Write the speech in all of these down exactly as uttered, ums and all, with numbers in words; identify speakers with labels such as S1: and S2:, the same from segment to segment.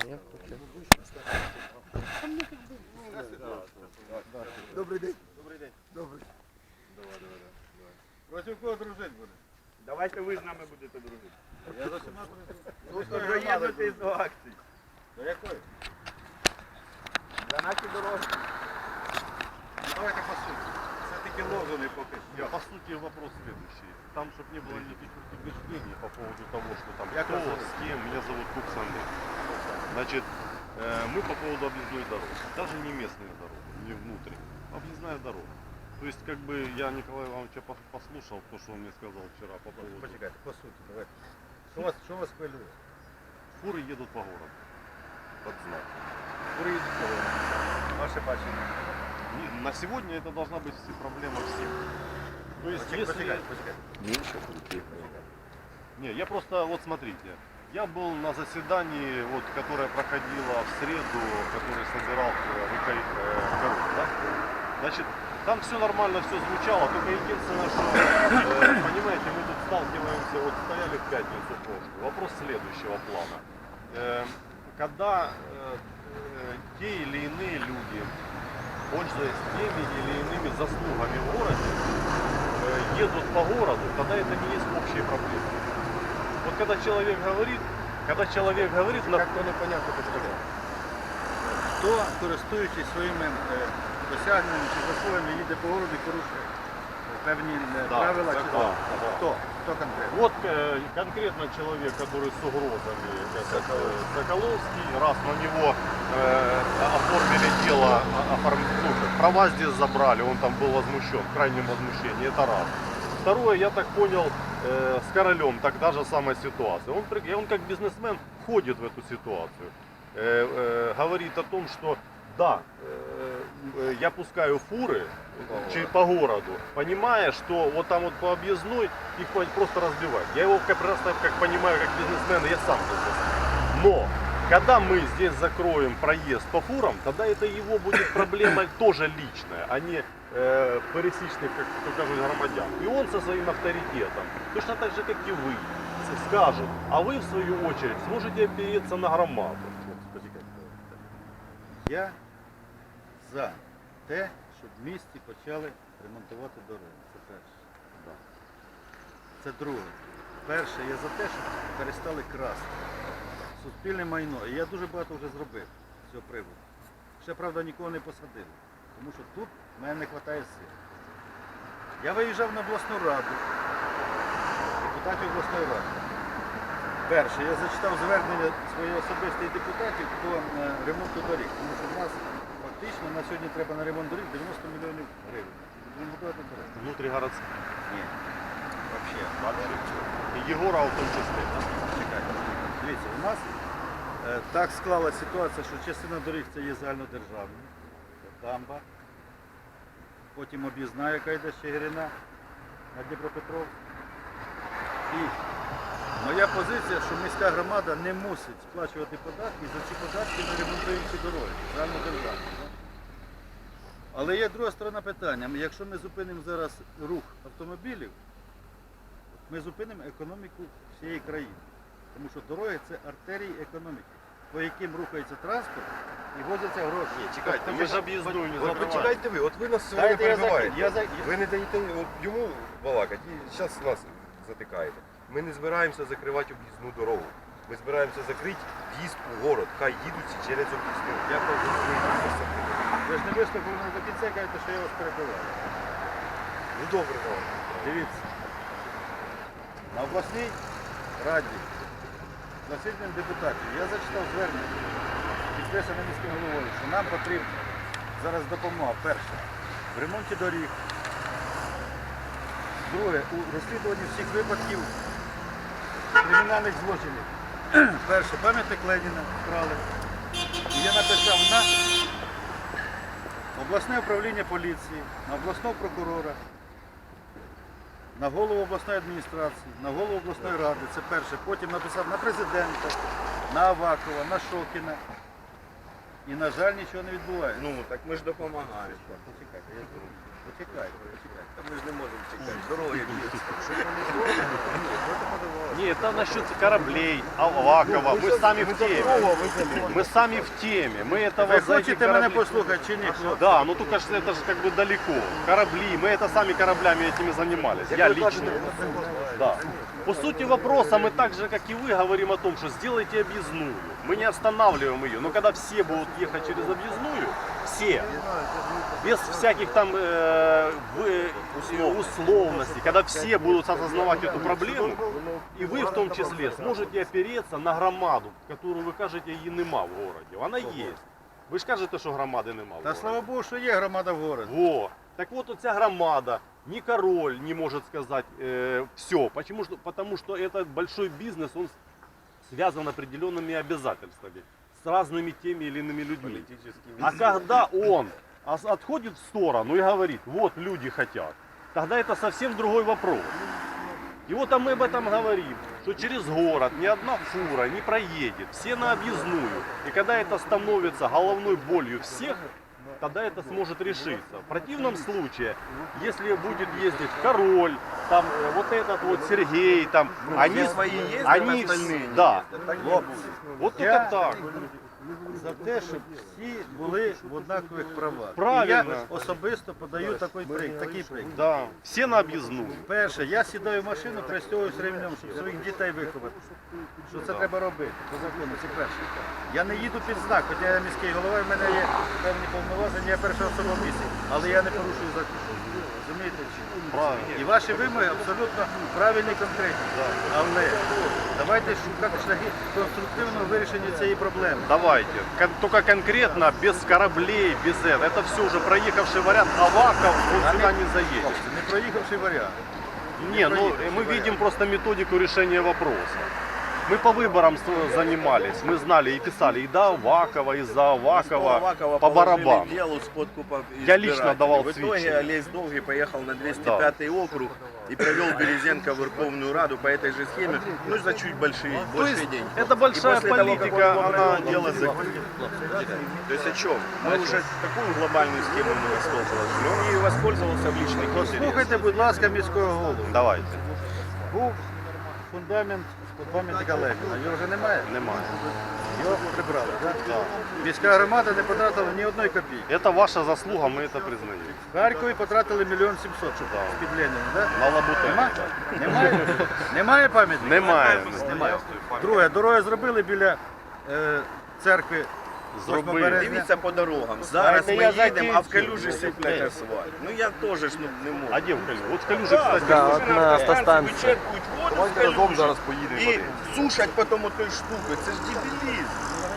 S1: Нет? Окей.
S2: Добрий день.
S3: Добрий день.
S2: Добрий.
S3: Давай, давай, давай.
S2: Проти кого дружити буде?
S3: Давайте ви з нами будете дружити.
S2: Я за всіма дружу.
S3: Ну, доєднуйтесь до акції.
S2: До якої?
S3: За наші дороги.
S2: Давайте по суті. Все-таки лозуни поки що.
S4: По сути вопрос следующий. Там, чтобы не было никаких убеждений по поводу того, что там
S2: Я
S4: кто,
S2: как
S4: с кем. Меня зовут Кукс Андрей. Значит, э, мы по поводу объездной дороги. Даже не местные дороги, не внутренние. Объездная дорога. То есть, как бы, я Николая Ивановича пос- послушал, то, что он мне сказал вчера по поводу...
S2: Почекайте, по суті, давайте. Що вас, що вас хвилює?
S4: Фуры едут по городу. Под знак.
S2: Курить кого? Ваше бачення.
S4: Не- На сегодня это должна быть все- проблема всех. То есть,
S2: Почекайте,
S4: если...
S2: почекайте, почекайте.
S1: Меньше крутых.
S4: Не, я просто, вот смотрите, я был на заседании, вот, которое проходило в среду, который собирал коров, да? Значит, там все нормально, все звучало, только единственное, что, э, понимаете, мы тут сталкиваемся, вот стояли в пятницу прошлую. Вопрос следующего плана. Э, когда э, э, те или иные люди, пользуясь теми или иными заслугами в городе, э, едут по городу, тогда это не есть общие проблемы. Вот когда человек говорит, когда человек говорит, на...
S2: Як то непонятно почекайте. Хто, користуючись своїми е, досягненнями чи заслугами, їде по городу і порушує певні е,
S4: Да,
S2: правила чи
S4: да,
S2: закони?
S4: да.
S2: Хто? Хто конкретно?
S4: Вот э, конкретно человек, который с угрозами, этот, э, Соколовский, раз на него э, оформили дело, о- оформ- ну, как, права здесь забрали, он там был возмущен, в крайнем возмущении, это раз. Второе, я так понял, э, с Королем так та же самая ситуация. Он, при- он как бизнесмен входит в эту ситуацию, э, э, говорит о том, что да, э, э, я пускаю фуры через по городу, понимая, что вот там вот по объездной их по- просто разбивать. Я его как просто как понимаю, как бизнесмен, я сам бизнесмен. Но когда мы здесь закроем проезд по фурам, тогда это его будет проблема тоже личная, а не э, пересечных, как то кажут, громадян. И он со своим авторитетом, точно так же, как и вы, с- скажет, а вы в свою очередь сможете опереться на громаду.
S2: Почекайте. Я за те, щоб в місті почали ремонтувати дороги. Це перше. Це друге. Перше, я за те, щоб перестали красти суспільне майно. І я дуже багато вже зробив з цього приводу. Ще, правда, нікого не посадив. Тому що тут в мене не вистачає сил. Я виїжджав на обласну раду, депутатів обласної ради. Перше, я зачитав звернення своїх особистих депутатів по е, ремонту доріг. Тому що в нас фактично на сьогодні треба на ремонт доріг дев'яносто мільйонів гривень. Ремонтувати дороги.
S4: Внутригородских.
S2: Ні. Взагалі.
S4: Вообще. И Егора в том числе. Да?
S2: Чекайте. Дивіться, у нас е, так склалася ситуація, що частина доріг це є загальнодержавні, це дамба, потім об'їзна, яка йде з Чигирина на Дніпропетровськ. І моя позиція, що міська громада не мусить сплачувати податки, і за ці податки ми ремонтуємо ці дороги, загальнодержавні. Да? Але є друга сторона питання. Якщо ми зупинимо зараз рух автомобілів, ми зупинимо економіку всієї країни. Тому що дороги це артерії економіки, по яким рухається транспорт і возяться гроші.
S1: Ні, чекайте,
S4: Мы же объездную не
S1: От
S4: закрываем.
S1: почекайте ви, от ви нас сьогодні
S2: Дайте я
S1: перебиваєте.
S2: закінчу. Я за-
S1: Ви не даєте от йому балакати і зараз нас затикаєте. Ми не збираємося закривати об'їзну дорогу. Ми збираємося закрити в'їзд у город. Хай їдуть всі через об'їзну.
S2: Я кажу, ви ж не вислухали мене до кінця, кажете, що я вас перебиваю.
S1: Ну добре, давай.
S2: Дивіться, на обласній раді засіданням депутатів я зачитав звернення, підписане міським головою, що нам потрібна зараз допомога. Перше, в ремонті доріг. Друге, у розслідуванні всіх випадків кримінальних злочинів. Перше, пам'ятник Леніна вкрали. І я написав на обласне управління поліції, на обласного прокурора, на голову обласної адміністрації, на голову обласної ради, це перше. Потім написав на президента, на Авакова, на Шокіна. І, на жаль, нічого не відбувається.
S3: Ну, так ми ж допомагаємо.
S2: Почекайте, я зроблю. Почекайте, почекайте.
S3: Та ми ж не можемо чекати. Дороги б'ються.
S4: Не, это насчет кораблей, Авакова. Мы сами в теме. Мы сами в теме. Мы этого
S2: Ви
S4: за эти
S2: хочете мене
S4: корабли-
S2: послухати чи ні? хлопці?
S4: Да, ну только что это же как бы далеко. Корабли, мы это сами кораблями этими занимались. Я лично. Да. По сути вопроса мы так же, как и вы, говорим о том, что сделайте объездную. Мы не останавливаем ее. Но когда все будут ехать через объездную, все, без всяких там э, в- условностей, когда все будут осознавать эту проблему, и вы в том числе сможете опереться на громаду, которую вы кажете, її нема в городе. Она есть. Ви ж кажете, що громади нема в
S2: Та
S4: городі.
S2: слава Богу, що є громада в городі.
S4: Во. Так вот, оця громада, ни король не может сказать э, все. Почему? Что, потому что это большой бизнес, он связан определенными обязательствами с разными теми или иными людьми. А когда он ос- отходит в сторону и говорит, вот люди хотят, тогда это совсем другой вопрос. И вот а мы об этом говорим, что через город ни одна фура не проедет, все на объездную. И когда это становится головной болью всех, тогда это сможет решиться. В противном случае, если будет ездить король, там э, вот этот вот Сергей, там, они,
S3: свои ездят,
S4: они,
S3: остальные не
S4: да,
S3: ездят. Так не
S2: Хлопці,
S3: будет.
S4: вот
S2: Я-
S4: только так.
S2: за те, щоб всі були в однакових правах.
S4: Правильно.
S2: І я особисто подаю такий приклад. Такий приклад.
S4: Да, все на объездную.
S2: Перше, я сідаю в машину, пристягуюсь ремнем, щоб своїх дітей виховати. Що це треба робити по закону, це перше. Я не їду під знак, хоча я міський голова, і в мене є певні повноваження, я перша особа в місті, але я не порушую закон. Розумієте? чи ні?
S4: Правильно.
S2: І ваші вимоги абсолютно правильні і конкретні. Але давайте шукати шляхи конструктивного вирішення цієї проблеми.
S4: Давайте. Кон- Только конкретно, без кораблей, без этого. Это все уже проехавший вариант. Аваков, он сюда не заедет.
S2: Не проїхавший варіант.
S4: Не, ну мы видим просто методику решения вопроса. Мы по выборам с- занимались, мы знали и писали и до Авакова, и за Авакова,
S3: Авакова
S4: по
S3: положили
S4: барабану.
S3: делу с подкупом
S4: Я лично
S3: избирателей.
S4: давал
S3: В итоге
S4: сведения.
S3: Олесь Долгий поехал на двести пятый округ и привел Березенко в Верховную Раду по этой же схеме, ну за чуть большие,
S4: То
S3: большие
S4: есть
S3: деньги.
S4: это большая
S3: И после того, как
S4: политика,
S3: он
S4: она...
S3: провел дело закрыли. То есть о чем? Мы уже такую глобальную схему ему на стол положили. Он ею воспользовался в личных интересах.
S2: Послухайте, будь ласка, міського голову.
S4: Давайте.
S2: Був фундамент пам'ятника Леніна. Його вже немає?
S4: Немає.
S2: Його прибрали, так? Міська громада не потратила ні одної копійки.
S4: Это ваша заслуга, мы это признаем.
S2: В Харкові потратили мільйон сімсот, щоб
S4: Да.
S2: з-під Леніна, так?
S4: На лабутені.
S2: Нема? Немає? Немає пам'ятника?
S4: Немає.
S2: Немає. Друге, дороги зробили біля е, церкви.
S4: Зробили.
S2: восьмого березня.
S3: Дивіться по дорогам. Зараз
S2: Дайте
S3: ми
S2: я
S3: їдемо, а в
S2: закінчу.
S3: калюжі сиплять асфальт. Ну я теж ж ну, не можу.
S4: А где в Калюже? Вот в Калюже, кстати,
S3: Да,
S5: от на автостанції.
S3: вичерпують воду з
S1: Давайте разом
S3: калюжі
S1: зараз поїдемо.
S3: і
S1: подивимося.
S3: сушать потім отою штукою. Це ж дебілізм.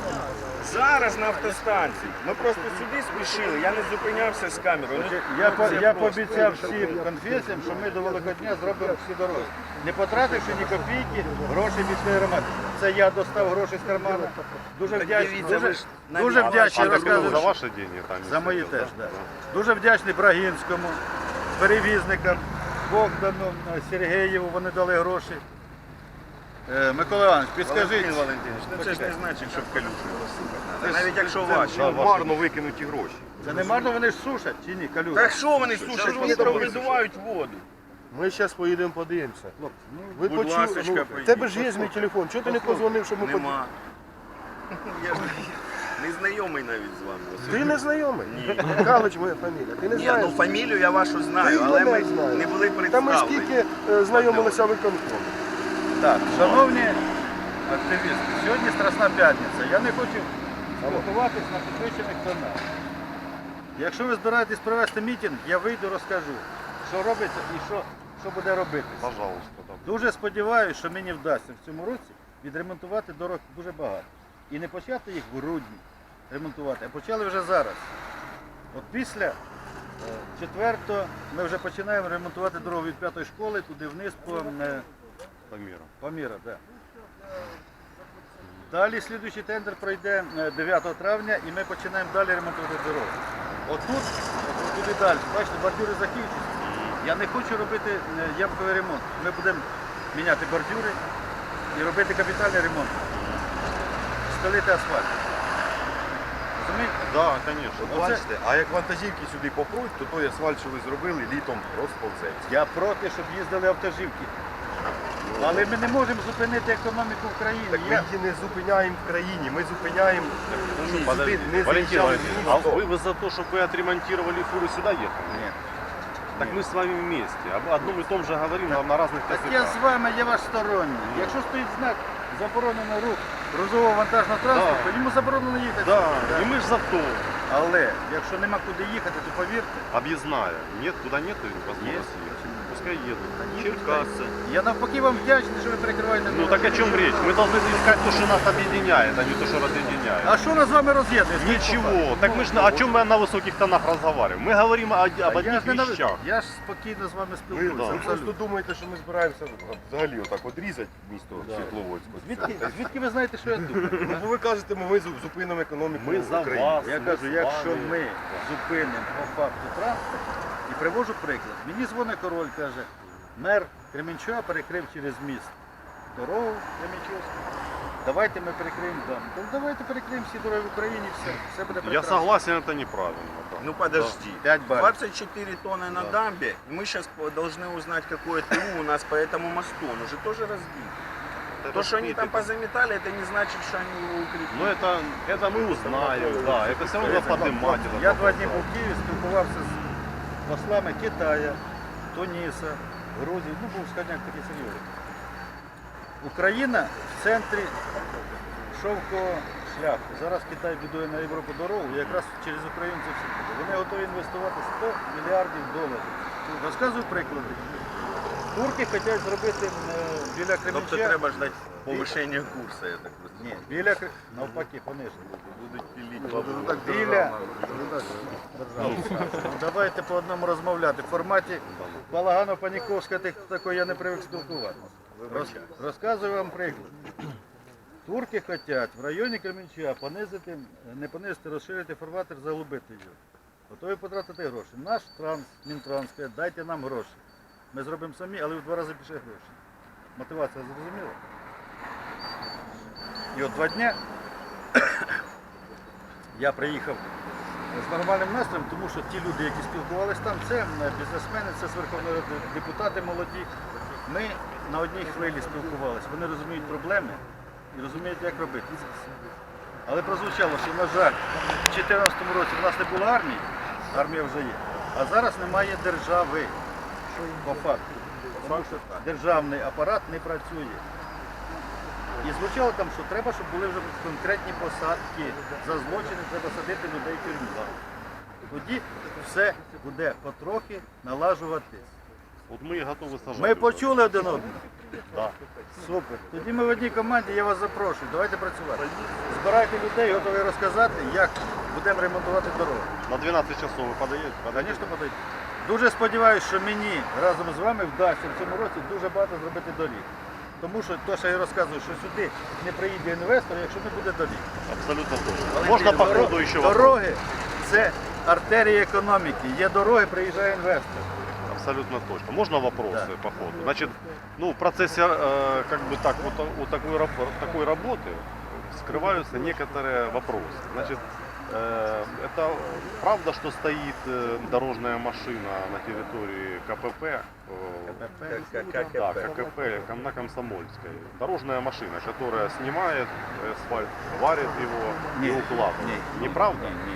S3: Зараз на автостанції. Ми просто сюди спішили, я не зупинявся з камерою. Ну,
S2: Я, по-
S3: це
S2: я
S3: просто.
S2: пообіцяв всім конфесіям, що ми до Великодня зробимо всі дороги. Не потративши ні копійки, грошей міської громади. Це я достав гроші з кармана. Дуже
S3: Так
S2: вдячний,
S3: дивіться,
S2: дуже,
S3: ви ж на
S2: дуже
S3: місці.
S2: вдячний,
S4: А, так это
S2: розказую.
S4: за ваши деньги там?
S2: За мої
S4: сидел,
S2: теж,
S4: да?
S2: так. Дуже вдячний Брагінському, перевізникам, Богдану, Сергієву, вони дали гроші. Е, Микола Іванович, підскажіть.
S3: Валентин Валентинович, ну це ж не значить, що в калюжі розсипати. Навіть якщо ваші.
S1: Це марно викинуті гроші.
S2: Це не марно вони ж сушать чи ні, калюжі?
S3: Так що вони сушать?
S1: ж
S3: Вони
S1: вони там
S3: провидувають воду.
S5: Ми зараз поїдемо, подивимося. Ви
S3: Будь
S5: почули?
S3: ласочка,
S5: Ну, в
S3: поїдіть.
S5: тебе ж є мій телефон. Чого ти не позвонив, щоб ми подивилися?
S3: Нема. Я ж не знайомий навіть з вами. Василь.
S5: Ти не знайомий?
S3: Ні.
S5: Галич моя фамілія. Ти не
S3: Ні,
S5: знаєш?
S3: ну фамілію я вашу
S5: Ти
S3: знаю,
S5: і
S3: але
S5: мене
S3: ми
S5: знаєш.
S3: не були
S5: Та ми
S3: представлені.
S5: скільки е, знайомилися виконком.
S2: Так, шановні активісти, сьогодні Страсна п'ятниця. Я не хочу готуватись на підвищених тонах. Якщо ви збираєтесь провести мітинг, я вийду, розкажу, що робиться і що, що буде робитися.
S4: Пожалуйста, да.
S2: Дуже сподіваюся, що мені вдасться в цьому році відремонтувати дорог дуже багато. І не почати їх в грудні ремонтувати, а почали вже зараз. От після е, четвертого ми вже починаємо ремонтувати дорогу від п'ятої школи туди вниз по е,
S4: По миру.
S2: Паміра, так. Далі слідуючий тендер пройде е, дев'ятого травня і ми починаємо далі ремонтувати дорогу. Отут, от туди далі, бачите, бордюри закінчуються. Я не хочу робити е, ямковий ремонт. Ми будемо міняти бордюри і робити капітальний ремонт. Стелити асфальт. Розумієте?
S4: Да, конечно.
S1: От
S2: Оце-
S1: бачите, а як вантажівки сюди попруть, то той асфальт, що ви зробили, літом розповзеться.
S2: Я проти, щоб їздили автоживки. Але ми не можемо зупинити економіку в країні.
S1: Так ми
S2: Я-
S1: її не зупиняємо в країні, ми зупиняємо щоб
S4: Подожди,
S1: сюди не
S4: Валентин
S1: заїжджали
S4: Валентинович,
S1: ні
S4: а
S1: авто.
S4: вы, вы за то, чтобы вы отремонтировали фуры сюда ехали?
S2: Ні.
S4: Так мы с вами вместе, об одном и том же говорим на, на разных
S2: Так я
S4: языках.
S2: з вами, я ваш сторонній. Якщо стоїть знак заборонено рух грузового вантажного транспорту, йому заборонено їхати.
S4: Да,
S2: Да.
S4: и мы ж за то.
S2: Але якщо нема куди їхати, то повірте,
S4: Объездная. Нет, туда нет возможности ехать. Пускай едут.
S3: Черкассы.
S2: я навпаки вам вдячний, що ви перекриваєте.
S4: Ну так о чем речь? Мы должны искать то, что нас объединяет, а не то, что разъединяет.
S2: А що нас з вами роз'єднує?
S4: Ничего. Так мы ж на- о чем мы на высоких тонах разговариваем? Мы говорим о- об
S2: А я
S4: одних
S2: ж, не нав-
S4: вещах.
S2: я ж спокійно з вами
S1: Ви,
S2: спілкуюся.
S1: ви
S2: абсолютно.
S1: просто думаєте, що ми збираємося взагалі отак от різати місто Світловодську.
S2: Звідки, звідки ви знаєте, що я думаю?
S1: Ну, бо ви кажете, ми зу- зупинимо економіку
S4: Ми за
S1: України.
S4: вас.
S2: Я
S4: ми
S2: кажу,
S4: з
S2: якщо
S4: вами.
S2: ми зупинимо по факту транспорт, і привожу приклад. Мені дзвонить король, каже, мер Кременчуга перекрив через міст дорогу Кременчугську. Давайте ми перекриємо там. То давайте перекриємо всі дороги в Україні, все, все буде
S4: Я
S2: прекрасно.
S4: согласен, это неправильно. да.
S3: Ну подожди.
S2: Пять баллов.
S3: двадцать четыре тонны на дамбе. Мы сейчас должны узнать, какое ТУ у нас по этому мосту. Он уже тоже разбит. То, что они там позаметали, это не значит, что они его укрепили.
S4: Ну это, это мы узнаем, да, это все равно поднимать. этот
S2: Я два
S4: вопрос,
S2: дні
S4: да.
S2: був в Києві, спілкувався з послами Китая, Туніса, Грузії, ну був скажімо, такий серйозний. Україна в центрі шовкового шляху. Зараз Китай будує на Європу дорогу, і якраз через Україну це все буде. Вони готові інвестувати сто мільярдів доларів. Розказую приклади. Турки хочуть зробити е, біля
S3: Тобто
S2: Кременчуга.
S3: треба ждати повишення курсу, я так розумію.
S2: Ні, біля Кре- навпаки, пониження.
S3: Будуть піліть
S1: Ну,
S3: бабу.
S2: Біля Ну, давайте по одному розмовляти. В форматі Балаганов-Паніковська тих- такої я не привик спілкуватися. Роз, розказую вам приклад. Турки хочуть в районі Кременчуга понизити, не понизити, розширити фарватер, заглубити його. Готові потратити гроші. Наш транс, Мінтранс каже, дайте нам гроші. Ми зробимо самі, але в два рази більше грошей. Мотивація зрозуміла? І от два дня я приїхав з нормальним настроєм, тому що ті люди, які спілкувалися там, це бізнесмени, це з Верховної Ради, депутати молоді. Ми на одній хвилі спілкувалися. Вони розуміють проблеми і розуміють, як робити. Але прозвучало, що, на жаль, в дві тисячі чотирнадцятому році в нас не було армії, армія вже є, а зараз немає держави по факту. Тому що державний апарат не працює. І звучало там, що треба, щоб були вже конкретні посадки. За злочини треба садити людей в тюрму. Тоді все буде потрохи налажуватись.
S4: Вот мы и готовы сажать.
S2: Ми почули один одного?
S4: Да.
S2: Супер. Тоді ми в одній команді, я вас запрошую. Давайте працювати. Збирайте людей, готові розказати, як будемо ремонтувати дорогу.
S4: На двенадцать часов вы подаете? Подойдете?
S2: Звісно, подойдіть. Дуже сподіваюся, що мені разом з вами вдасться в цьому році дуже багато зробити доріг. Тому що те, що я розказую, що сюди не приїде інвестор, якщо не буде доріг.
S4: Абсолютно точно. Можно по
S2: Доро-
S4: ходу еще вопрос?
S2: Дороги це артерія економіки. Є дороги, приїжджає інвестор.
S4: Абсолютно точно. Можно вопросы
S2: Да.
S4: по ходу? Значит, ну, в процессе э, как бы так, вот, вот такой, раб- такой работы скрываются некоторые вопросы. Значит, э, это правда, что стоит э, дорожная машина на территории КПП? э, Да, ККП на Комсомольской. Дорожная машина, которая снимает асфальт, варит его
S2: Ні.
S4: и укладывает.
S2: Ні.
S4: Неправда?
S2: Ні, ні.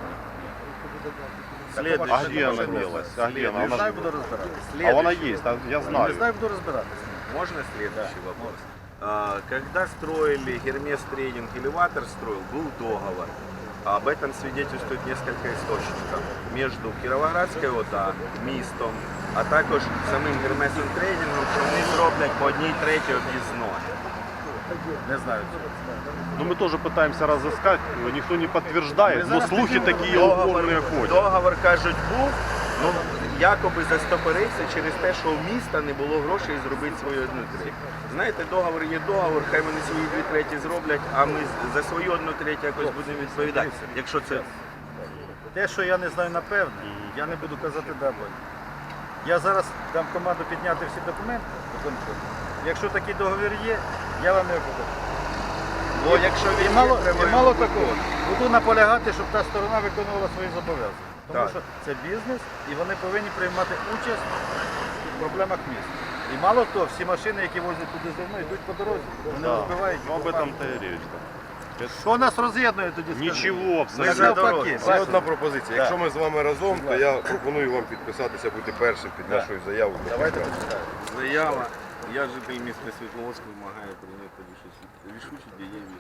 S3: Следующий.
S4: А где она делась? А где она?
S2: Не
S4: Она
S2: знаю,
S4: ж-
S2: буду розбиратися.
S4: А она есть, а я
S2: Не
S4: знаю.
S2: знаю, буду розбиратися.
S3: Можно следующий вопрос? А, Когда строили Гермес Трейдинг, элеватор строил, был договор. Об этом свидетельствует несколько источников. Между Кіровоградською ОДА, містом, а також самим Гермесом Трейдингом, що вони зроблять по одній третій об'їзної.
S2: Не знаю цього.
S4: Ну, мы тоже пытаемся разыскать, никто не подтверждает,
S2: Мы
S4: но
S2: зараз
S4: слухи
S2: підемо.
S4: такие
S3: Договор,
S4: упорные ходят.
S3: договор, кажуть, був, ну якоби застопорився через те, що у міста не було грошей зробити свою одну третю. Знаєте, договор є договор, хай вони свої дві треті зроблять, а ми з- за свою одну третю якось будемо відповідати. Якщо це
S2: Те, що я не знаю напевне, я не буду казати да або ні. Я зараз дам команду підняти всі документи. виконкому. Якщо такий договір є, я вам його покажу.
S3: Бо якщо
S2: І
S3: він
S2: мало,
S3: витримує
S2: і мало
S3: Новий
S2: такого.
S3: год,
S2: Буду наполягати, щоб та сторона виконувала свої зобов'язання. Тому
S3: Так.
S2: що це бізнес і вони повинні приймати участь в проблемах міста. І мало того, всі машини, які возять туди зерно, йдуть по дорозі. Вони
S4: Да.
S2: розбивають.
S4: Ну, об этом-то и речь.
S2: Що нас роз'єднує тоді? скажи?
S4: Ничего
S2: Ми
S4: абсолютно.
S2: ж навпаки.
S1: Є
S2: бачите?
S1: одна пропозиція. Якщо ми з вами разом, то я пропоную вам підписатися, бути першим під нашою заявою.
S2: Давайте почитаємо.
S3: Заява. Я житель міста Світловодськ вимагаю прийняти рішучі, рішучі дієві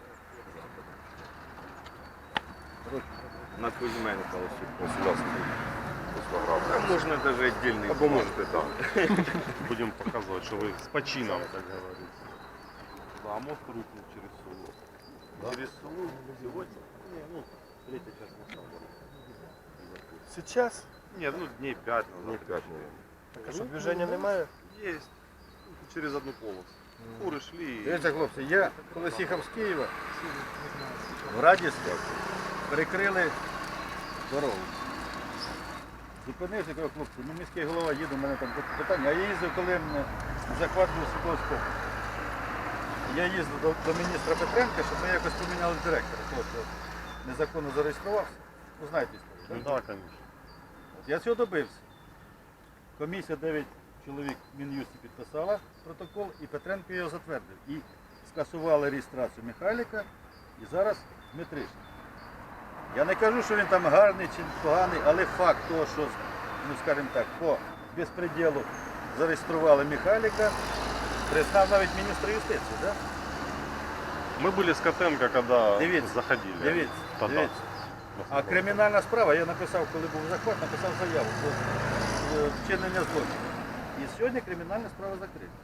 S3: заходи. На Кузьменка ось.
S1: Ось у нас
S3: А можна навіть віддільний.
S1: або можете так.
S4: Будем показывать, что вы с почином, как говорится. Да, а мост рухнул через село.
S3: Через село сьогодні?
S4: Не, ну, третья часть моста.
S5: Сейчас?
S4: Нет, ну дней пять
S1: Ну,
S4: назад.
S1: п'ять, мабуть.
S5: Так, а що движення немає?
S4: Есть. Ну, через одну полосу. Фуры шли. и-
S2: Дивіться, хлопці, я колись їхав з Києва, в Радівську перекрили дорогу. Зупинився, кажу, хлопці, ну міський голова їде, у мене там питання. А я їздив, коли м, захват був Світловського. Я їздив до, до міністра Петренка, щоб ми якось поміняли директора. Хлопці, от незаконно зареєструвався. Ну знаєте історію,
S4: Ну,
S2: так?
S4: да, конечно.
S2: От я цього добився. Комісія дев'ять чоловік в Мін'юсті підписала протокол, і Петренко його затвердив. І скасували реєстрацію Михайліка, і зараз Дмитришин. Я не кажу, що він там гарний чи поганий, але факт того, що, ну скажімо так, по безпреділу зареєстрували Михайліка, признав навіть міністр юстиції, да?
S4: Мы были с Котенко, когда
S2: Дивіться,
S4: заходили.
S2: Дивіться,
S4: Тогда.
S2: дивіться. А кримінальна справа, я написав, коли був захват, написав заяву про е, вчинення злочину. І сьогодні кримінальна справа закрита.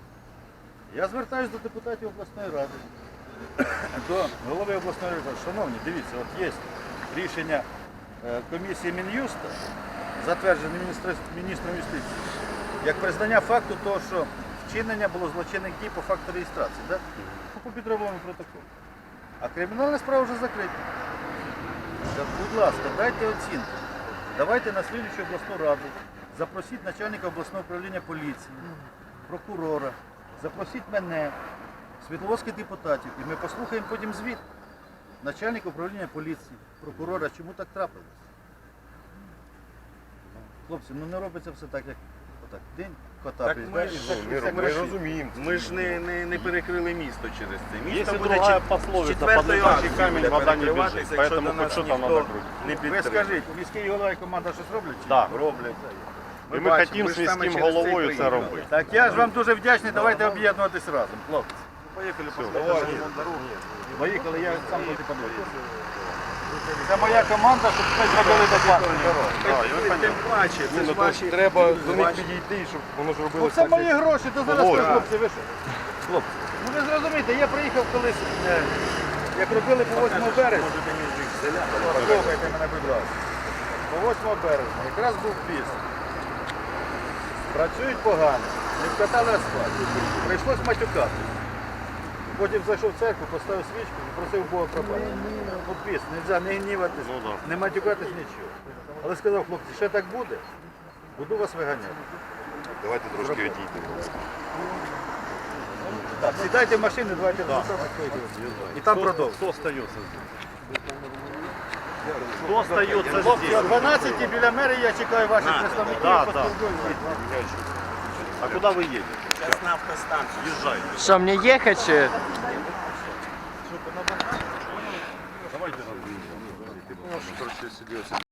S2: Я звертаюся до депутатів обласної ради, до голови обласної ради. Шановні, дивіться, от є рішення е, комісії Мін'юста, затверджене міністр- міністром юстиції, як признання факту того, що вчинення було злочинних дій по факту реєстрації, да? по підробленому протоколу. А кримінальна справа вже закрита. Так, будь ласка, дайте оцінку. Давайте на слідчу обласну раду, запросіть начальника обласного управління поліції, прокурора, запросіть мене, світловодських депутатів, і ми послухаємо потім звіт начальника управління поліції, прокурора, чому так трапилось. Хлопці, ну не робиться все так, як отак. День кота
S3: Так
S2: приїзд,
S3: ми
S2: да, і
S3: ж,
S2: все-
S1: Ну,
S2: і все
S1: ми, ми
S2: красиво.
S1: розуміємо.
S3: Ми ж не, не, не перекрили місто через це. Місто
S4: Есть и
S3: буде
S4: другая
S3: чет-
S4: пословица,
S3: четвертою
S4: под лежачий
S3: акцією
S4: камень
S3: буде
S4: вода не
S3: перекриватися,
S4: бежит,
S3: якщо
S4: поэтому
S3: до
S4: хоть
S3: нас
S4: что-то
S3: ніхто
S4: надо крутить.
S3: не
S2: Ви
S3: підтримує.
S2: скажіть, міський голова і команда щось роблять? чи ні?
S4: Да.
S3: Роблять.
S4: І ми
S3: бачимо,
S4: хотім
S3: ми
S4: з
S3: ж саме
S4: міським
S3: через це й
S4: головою це
S3: приїхали.
S4: робити.
S2: Так я ж вам дуже вдячний, давайте об'єднуватись разом, хлопці.
S4: Поїхали
S1: Давай.
S2: Поїхали, я сам туди подивлюся. Це моя команда, щоб ми зробили доплату.
S3: Тим паче, це
S1: Ну,
S3: ж
S1: то
S3: ваші...
S1: треба до них
S3: ваші-
S1: підійти, щоб воно ж
S2: Ну
S1: робилося.
S2: це мої гроші, то зараз
S1: Володя.
S2: ви, хлопці, ви що? Хлопці, ну ви зрозумієте, я приїхав колись, е, як робили по восьмому березня. Слухайте мене, будь ласка. По восьмому березня якраз був піс. Працюють погано, не вкатали асфальт. Прийшлось матюкати. Потім зайшов в церкву, поставив свічку і просив Бога пробачення. Ну піс, не можна не гніватись,
S4: Ну, да.
S2: не матюкатись нічого. Але сказав, хлопці, ще так буде, буду вас виганяти.
S1: Давайте трошки відійдемо.
S2: Так, сідайте в машину, давайте да. І там продовжуємо.
S4: Кто остается здесь? Кто остается
S2: Хлопці, о
S4: здесь?
S2: дванадцятій біля мерії я чекаю ваших
S3: На,
S2: представників.
S4: да,
S2: поспілкуємося.
S4: А куда вы едете?
S3: Зараз на автостанцію.
S4: Езжайте.
S6: Що, мені їхати чи?
S4: Давайте.
S1: Ти можеш трошки сидіти.